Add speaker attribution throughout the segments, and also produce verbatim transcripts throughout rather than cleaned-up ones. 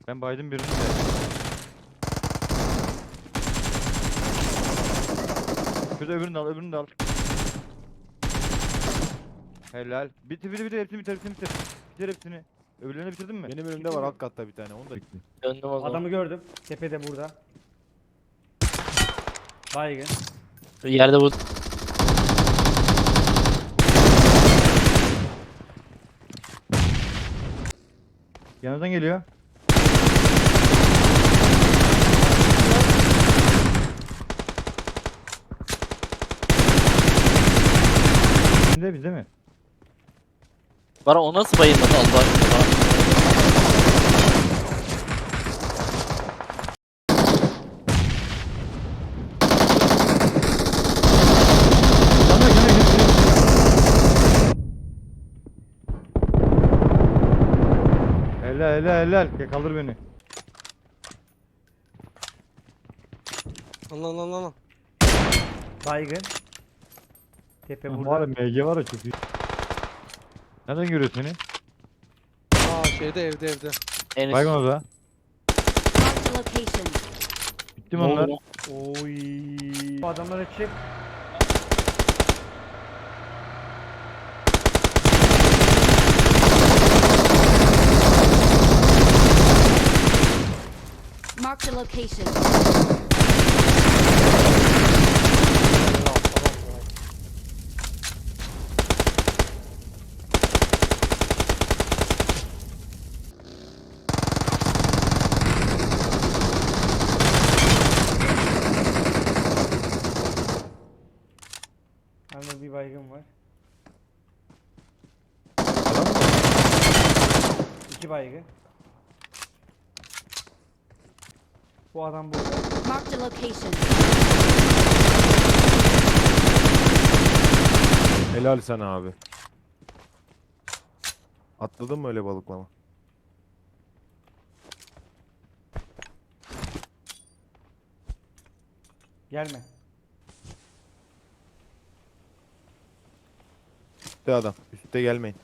Speaker 1: Ben baydım birini de. Şurada öbürünü de al, öbürünü de al. Helal. Bitir bitir bitir hepsini bitir hepsini bitir. Bitir hepsini. Öbürlerini bitirdin mi?
Speaker 2: Benim önümde var alt katta bir tane. Onu da bitti.
Speaker 3: Döndüm o zaman.
Speaker 4: Adamı gördüm. Tepede burada. Baygın.
Speaker 3: Yerde bu.
Speaker 1: Yanından geliyor. Bizde bizde mi?
Speaker 3: Bana o nasıl bayılmadı Allah aşkına.
Speaker 1: Yanıyor yanıyor yanıyor. Helal helal helal. Gel kaldır beni.
Speaker 5: Allah Allah Allah Allah.
Speaker 4: Baygın. Tepe
Speaker 1: Var
Speaker 4: burada.
Speaker 1: ya M G var ya çok iyi. Nereden görüyorsun beni?
Speaker 5: Aa şeyde evde evde.
Speaker 3: En üst.
Speaker 1: Baygın orada.
Speaker 6: Marked a location.
Speaker 1: Bitti mi onlar?
Speaker 4: Oy. Bu adamlara çık.
Speaker 6: Marked a location.
Speaker 4: Anında bir baygın var. İki baygın. Bu adam burada.
Speaker 6: Marked a location.
Speaker 2: Helal sana abi. Atladın mı öyle balıklama?
Speaker 4: Gelme.
Speaker 2: Üstte adam. Üstte gelmeyin.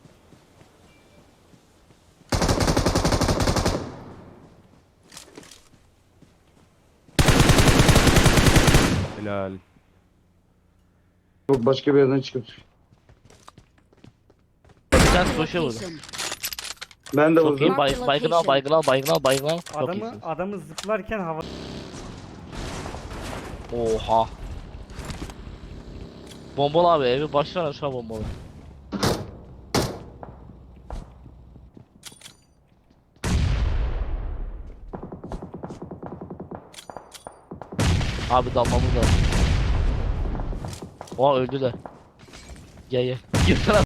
Speaker 2: Helal.
Speaker 7: Yok başka bir yerden çıkıp.
Speaker 3: Bir tane
Speaker 6: Marked a
Speaker 3: koşuyor burada.
Speaker 6: location.
Speaker 7: Ben de
Speaker 3: Çok
Speaker 7: vurdum.
Speaker 3: iyi. Bay, baygın al, baygın al, baygın al, baygın al. Çok
Speaker 4: Adamı
Speaker 3: iyisin.
Speaker 4: adamı zıplarken hava.
Speaker 3: Oha. Bombalı abi evi baştan aşağı bombalı. Abi dalmamız lazım. Oha öldüler. Gel gel. Girsene.